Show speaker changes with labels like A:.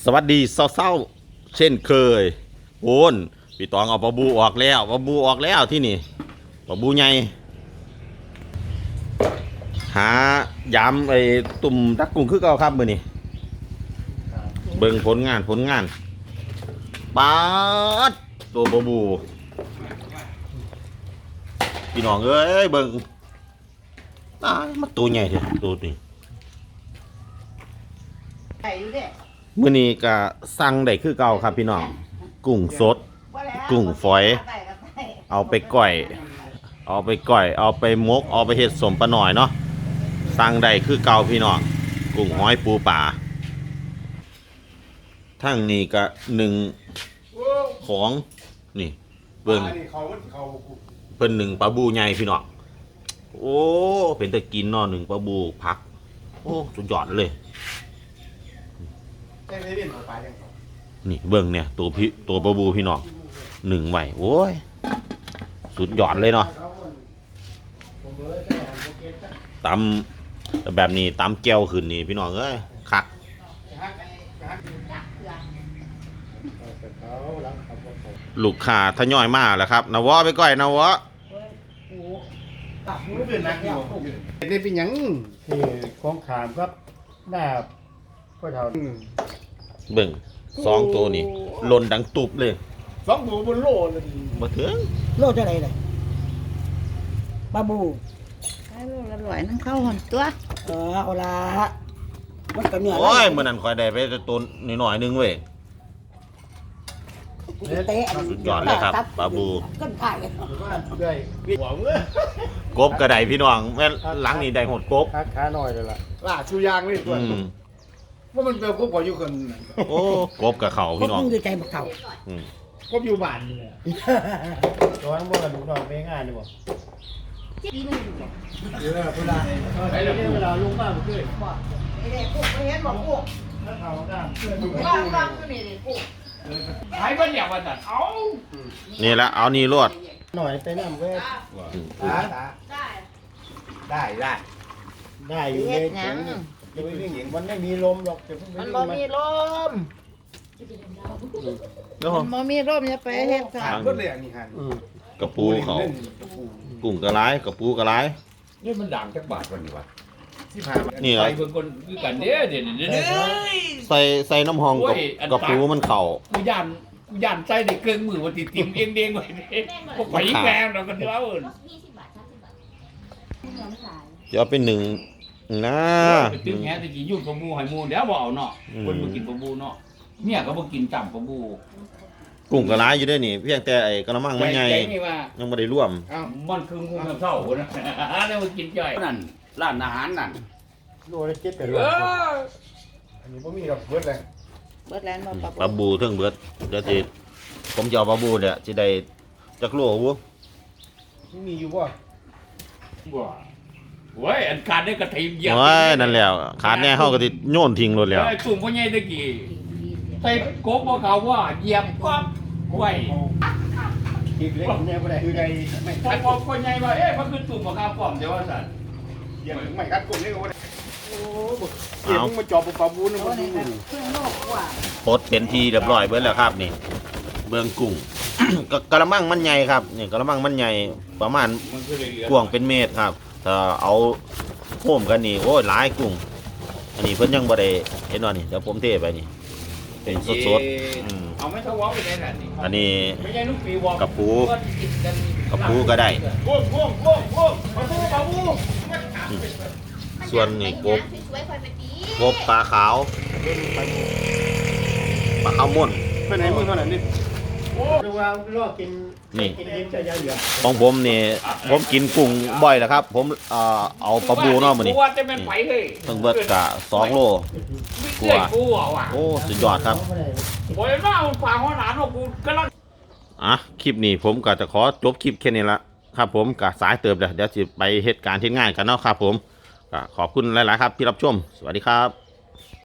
A: สวัสดีเศร้าๆเช่นเคยโอนพี่ตองเอาปลาบูออกแล้วปลาบูออกแล้วที่นี่ปลาบูใหญ่หายำไอ้ตุ่มตักกุ้งคือเก่าครับมื้อนี้เบิ่งผลงานปาดตัวปลาบูพี่น้องเอ้ยเบิ่งมันตัวใหญ่แท้ตัวนี้มื้อนี้ก็สั่งได้คือเก่าครับพี่น้องกุ้งสดกุ้งฝอยเอาไปก่อยเอาไปมกเอาไปเฮ็ดสมปลาหน่อยเนาะสั่งได้คือเก่าพี่น้องกุ้งหอยปูป่าทั้งนี้ก็หนึ่งของนี่เบิ่งเพิ่นหนึ่งปลาบูใหญ่พี่น้องโอ้เป็นตะกินเนาะหนึ่งปลาบูพักโอ้สุดยอดเลยนี่เบิ่งเนี่ยตัวปลาบูพี่น้องหนึ่งไหวโอ้ยสุดยอดเลยเนาะตำแบบนี้ตำแก้วขึ้นนี่พี่น้องเอ้ยคักลูกค้าทยอยมาแล้วครับนวะไปก่อยนวะ
B: นี่เป็นยังที่ของขามครับหน้าพ่อเฒ่า
A: เบิ่งสองตัวนี่หล่นดังตุบเลย
B: สองตัวบนโลเลย
A: มาถึง
C: โลจะไหนเลยปลาบู
D: ให้โลละร้อยนั่งเข้าหอนตัว
C: เอาละมันก็เหนื่อย
A: โอ้ยมื้อนั้นค่อยได้ไปตัวนิดหน่อยนึงเว้ยสุดยอดเลยครับปลาบู
C: ก้นถ่าย
B: ได้หวัง
A: กบกระไดพี่น้องแม่หลังนี่ได้หดกบ
B: ขาหน่อยเลยล่ะล่าชูยางนี่ตัวว่ามันเป็นกบกว่าอยู่คน
A: โอ้กบกับเขาพี่น้อง
C: ดูใจบักเขา
B: กบอยู่บ้านนี่ตัวนั้นบ่กระดูกนอนไปง่ายดีบ่เวลาลุงป้าบ่เคย
C: ไอ้เด็กพวกไม่เห็นบอกพวก
B: แล้วเขาก็
C: บ้านก็นี่พวก
B: หายบ้านอย่างว่าจัดเอา
A: นี่ละเอานี่รวด
B: หน่อยไปน้ำเวทได้อยู่เลยจะไปวิ่งหญิงมันไม่มีลมหรอก
D: มันบ่มีลมมันบ่มีลมอย่าไปเฮ็ดค่ะ
B: ก็เลยอันนี้หัน
A: กระปูเขากุ้งกระไรกระปูกระไร
B: นี่มันด่างจักบาทวันนี้วะ
A: นี่ครับ
B: คือกันเด้เด้
A: ใส่น้ำหองกระปูมันเข่า
B: กูยันใส่ในเครื่องมือวันติ่มเองเด้งไว้พวกไปแกงเรากันเท่า
A: จะเอาเป็นหนึ่งนะ
B: ตึ้งแฮตะกี้ยุ่งปลาบูให้มูเดี๋ยวบ่เอาเนาะคนบ่กินปลาบูเนาะเนี่ยก็บ่กินจำปลาบู
A: กุ้งกระไรอยู่ด้วยนี่เพียงแต่ไอ้กระมังมันใหญ่ยังไม่ได้ร่วม
B: มันคืองูเท่าคนนะแล้วมากินจ่อยนั่นร้านอาหารนั่นโลละ7แต่อันนี้บ่มีดอกเบิดเลย
D: เบิดแล้วบ่
A: ปลาบูเทิงเบิดเดี๋ยวสิผมจะเอาปลาบูเนี่ยสิได้จักโลบ่
B: มีอยู่บ่เว้ยอันขาดได้กระถิ่นเยอะ
A: โอ้ยนั่นแล้วขาดแน่เฮาก็สิโยนทิ้งรถแล้ว
B: ตุ่มพ่อใหญ่ตะกี้ใส่กบบ่เขาว่าเหยียบก๊อบไว้อีกเล็กแน่บ่ได้คือใดไม่คัดพ่อใหญ่ว่ามันคือตุ่มบ่เขาป้อมเดี๋ยวว่าซั่นเหยียบไม่คัดกบนี่ก็บ่ได้โอ้บ่เก็บมาจอบปลาบูนบ่ดู
A: ปลดเป็นทีเรียบร้อยเบิดแล้วครับนี่เบิ่งกุ้งกระมังมันใหญ่ครับนี่กระมังมันใหญ่ประมาณกว้างเป็นเมตรครับถ้าเอาโค้มกันนี่โอ้ยหลายกุ้งอันนี้เพิ่นยังบ่ได้เห็นว่านี่เดี๋ยวผมเทไปนี่เป็นสด
B: ๆเอาไม่ทวาไปได้ล่ะนี่
A: อันนี้
B: ไม่ใช่ลูกปีวอก
A: กระปูก็ได้ส่วนนี่กบปลาขาวม่วน
B: ไปไหนมึงเท่านั้นนี่โอ้ดูว่าลอกกิน
A: นี่ของผมนี่ผมกินกุ้งบ่อยแล้วครับผมเอาปลาบูเนาะมื้อนี้ต้องเบิดกะ2 โลกว่าโอ้สุดยอดครับ
B: โอ้ยมาฝากหัวหน้าเนาะกูกำลัง
A: คลิปนี้ผมก็จะขอจบคลิปแค่นี้ละครับผมก็สายเติบเดี๋ยวสิไปเหตุการณ์ที่ง่ายกันเนาะครับผมก็ขอบคุณหลายๆครับที่รับชมสวัสดีครับ